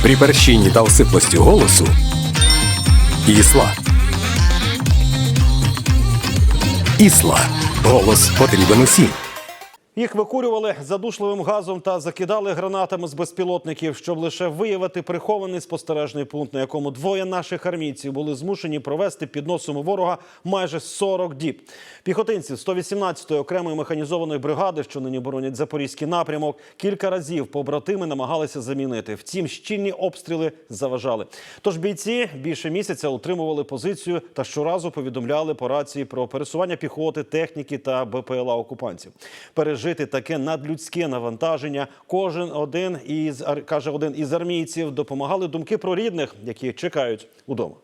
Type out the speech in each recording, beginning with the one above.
При перщині та осиплості голосу Ісла. Ісла. Голос потрібен усім. Їх викурювали задушливим газом та закидали гранатами з безпілотників, щоб лише виявити прихований спостережний пункт, на якому двоє наших армійців були змушені провести під носом у ворога майже 40 діб. Піхотинці 118-ї окремої механізованої бригади, що нині боронять Запорізький напрямок, кілька разів побратими намагалися замінити. Втім, щільні обстріли заважали. Тож бійці більше місяця утримували позицію та щоразу повідомляли по рації про пересування піхоти, техніки та БПЛА окупантів. Пережити таке надлюдське навантаження один із армійців, допомагали думки про рідних, які чекають удома.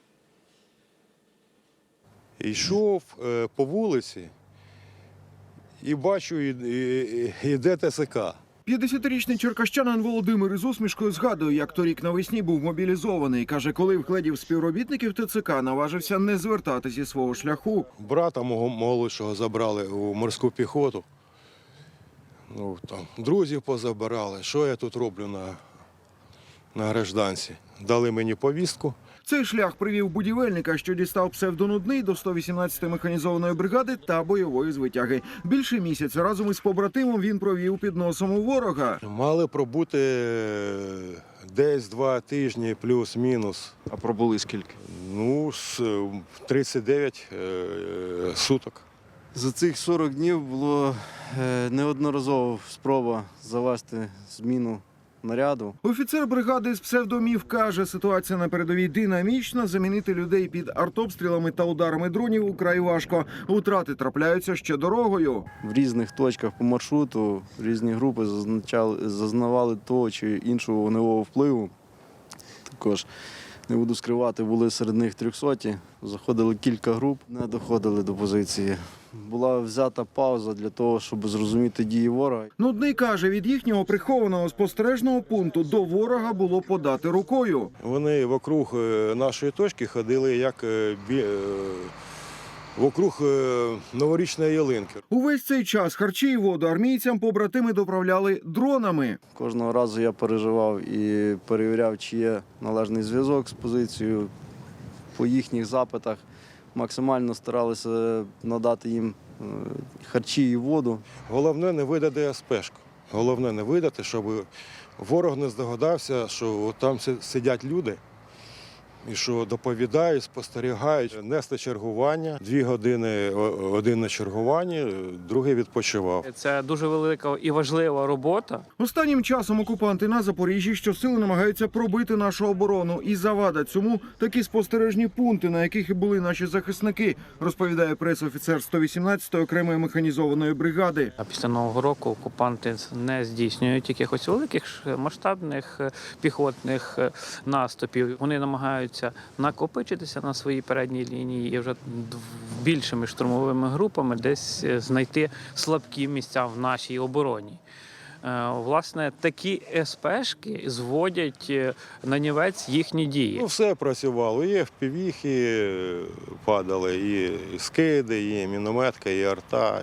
Йшов по вулиці і бачу, йде ТСК. 50-річний черкащанин Володимир із усмішкою згадує, як торік навесні був мобілізований. Каже, коли вгледів співробітників ТЦК, наважився не звертати зі свого шляху. Брата мого молодшого забрали у морську піхоту. Ну, там, друзів позабирали. Що я тут роблю на гражданці? Дали мені повістку. Цей шлях привів будівельника, що дістав псевдонудний, до 118-ї механізованої бригади та бойової звитяги. Більше місяця разом із побратимом він провів під носом у ворога. Мали пробути десь 2 тижні плюс-мінус. А пробули скільки? Ну, 39 суток. За цих 40 днів було неодноразово спроба завести зміну наряду. Офіцер бригади з псевдомів каже, ситуація на передовій динамічна, замінити людей під артобстрілами та ударами дронів украй важко. Втрати трапляються ще дорогою. В різних точках по маршруту різні групи зазнавали того чи іншого вогневого впливу. Також, не буду скривати, були серед них 300-ті, заходили кілька груп, не доходили до позиції. Була взята пауза для того, щоб зрозуміти дії ворога. Нудний каже, від їхнього прихованого спостережного пункту до ворога було подати рукою. Вони вокруг нашої точки ходили як вокруг новорічної ялинки. Увесь цей час харчі і воду армійцям побратими доправляли дронами. Кожного разу я переживав і перевіряв, чи є належний зв'язок з позицією. По їхніх запитах максимально старалися надати їм харчі і воду. Головне не видати СПшку. Головне не видати, щоб ворог не здогадався, що там сидять люди і що доповідають, спостерігають. Нести чергування, 2 години один на чергуванні, другий відпочивав. Це дуже велика і важлива робота. Останнім часом окупанти на Запоріжжі щосили намагаються пробити нашу оборону. І завада цьому такі спостережні пункти, на яких і були наші захисники, розповідає прес-офіцер 118-ї окремої механізованої бригади. А після Нового року окупанти не здійснюють якихось великих масштабних піхотних наступів. Вони намагаються накопичитися на своїй передній лінії і вже більшими штурмовими групами десь знайти слабкі місця в нашій обороні. Власне, такі СПшки зводять на нівець їхні дії. Ну, все працювало. І FPV-хи падали, і скиди, і мінометка, і арта,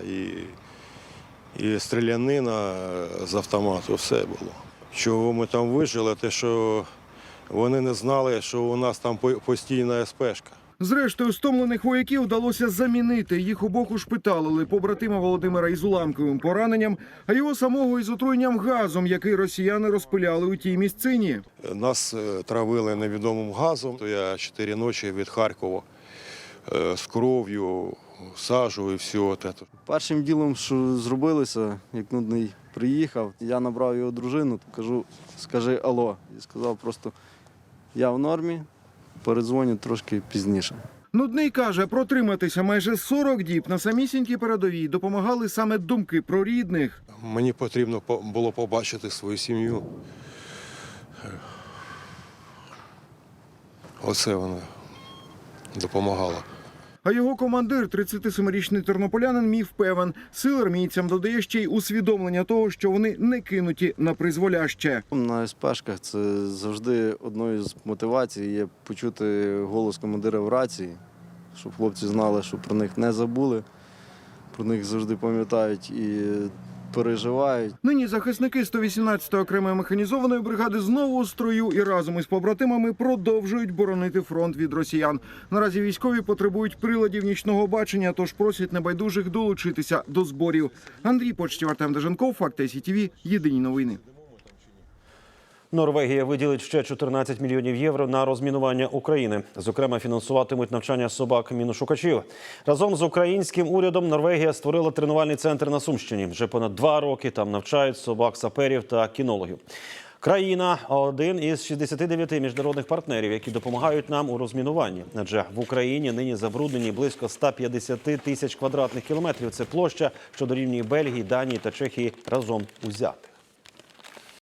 і стрілянина з автомату. Все було. Чого ми там вижили, те, що вони не знали, що у нас там постійна СПшка. Зрештою, стомлених вояків вдалося замінити. Їх обох ушпиталили. Побратима Володимира із уламковим пораненням, а його самого із отруєнням газом, який росіяни розпиляли у тій місцині. Нас травили невідомим газом. Я 4 ночі від Харкова з кров'ю, сажу і все. Першим ділом, що зробилося, як Нудний приїхав, я набрав його дружину, кажу, скажи алло. І сказав просто, я в нормі, передзвоню трошки пізніше. Нудний каже, протриматися майже 40 діб на самісінькій передовій допомагали саме думки про рідних. Мені потрібно було побачити свою сім'ю. Оце вона допомагала. А його командир, 37-річний тернополянин, міг певен. Сил армійцям додає ще й усвідомлення того, що вони не кинуті на призволяще. На СПшках це завжди одною з мотивацій є почути голос командира в рації, щоб хлопці знали, що про них не забули, про них завжди пам'ятають і переживають. Нині захисники 118-ї окремої механізованої бригади знову у строю і разом із побратимами продовжують боронити фронт від росіян. Наразі військові потребують приладів нічного бачення, тож просять небайдужих долучитися до зборів. Андрій Почтів, Артем Деженков, Факти СІТВ, єдині новини. Норвегія виділить ще 14 мільйонів євро на розмінування України. Зокрема, фінансуватимуть навчання собак-міношукачів. Разом з українським урядом Норвегія створила тренувальний центр на Сумщині. Вже понад 2 роки там навчають собак-саперів та кінологів. Країна – один із 69 міжнародних партнерів, які допомагають нам у розмінуванні. Адже в Україні нині забруднені близько 150 тисяч квадратних кілометрів. Це площа, що дорівнює Бельгії, Данії та Чехії разом узятих.